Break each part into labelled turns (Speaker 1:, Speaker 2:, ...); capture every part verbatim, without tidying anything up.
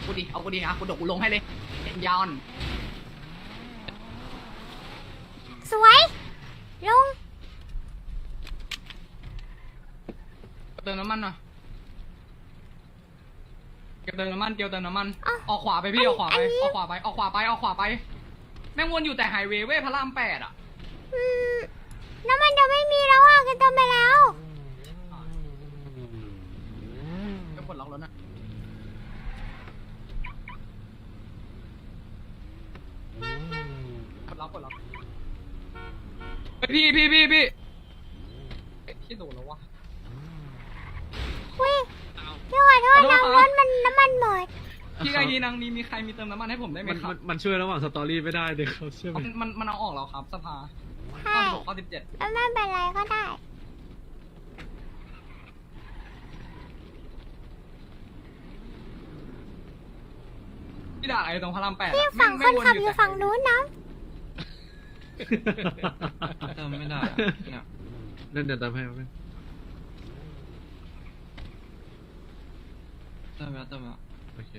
Speaker 1: กูดิเอากูดิอ่ะกูดกกูลงให้เลยยอน
Speaker 2: สวยลุง
Speaker 1: เติมน้ำมันหน่อยเกี่ยวเติมน้ำมันเกี่ยวเติมน้ำมันออกขวาไปพี่ออกขวาไปออกขวาไปออกขวาไปออกขวาไปแม่งวนอยู่แต่ไฮเวย์เว้ยพระรามแปดอ่ะ
Speaker 2: อืมน้ำมันจะไม่มีแล้วอ่ะกันเติมไปแล้ว
Speaker 1: จะปลดล็อกรถนะปลดล็อกปลดล็อกพี่พี่พี่พี่ที่โดนแล้ววะ
Speaker 2: อุ้ยพี่ขอโทษนะรถมันน้ำมันหมด
Speaker 1: พี่ไอดีนางมีมีใครมีเติมน้ำมันให้ผมได้ไหม
Speaker 3: มัน
Speaker 1: ครับ
Speaker 3: มันมันช่วยระหว่างสตอรี่ไม่ได้เด็กเขาเชื่อไหม
Speaker 1: มันมันมันเอาออกแล้วครับสภา
Speaker 2: ใช่
Speaker 1: ข้อสิบหกข้อสิบเจ็ด
Speaker 2: แล้วไม่เป็นไรก็ได้
Speaker 1: พี่ด่าอะไรตรงพระรามแปด
Speaker 2: พี่ฝั่งคนขับอยู่ฝั่งนู้นนะ
Speaker 4: เติมไม่ได้อะเนี่ย
Speaker 3: เล่นเดี๋ยวตามให้เอาไป
Speaker 4: เติมแล้วเติมแล้ว
Speaker 3: โอเค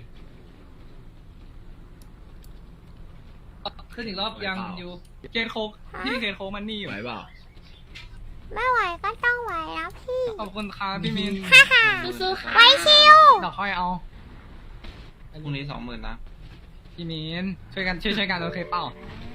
Speaker 1: ขึ้นอีกรอบยังอยู่เกนโคกพี่เกนโคกมันนี่อยู่
Speaker 3: ไหวเปล่า
Speaker 2: ไม่ไหวก็ต้องไหวนะพี่
Speaker 1: ขอบคุณครับพี่มิน
Speaker 2: ฮ่าฮ่า
Speaker 5: สู้ๆค่ะ
Speaker 2: ไว้ชิว
Speaker 1: เดี๋ยวค่อยเอา
Speaker 4: พรุ่งนี้สองหมื่นนะ
Speaker 1: พี่มินช่วยกันช่วยช่วยกันโอเคเปล่า
Speaker 2: ไ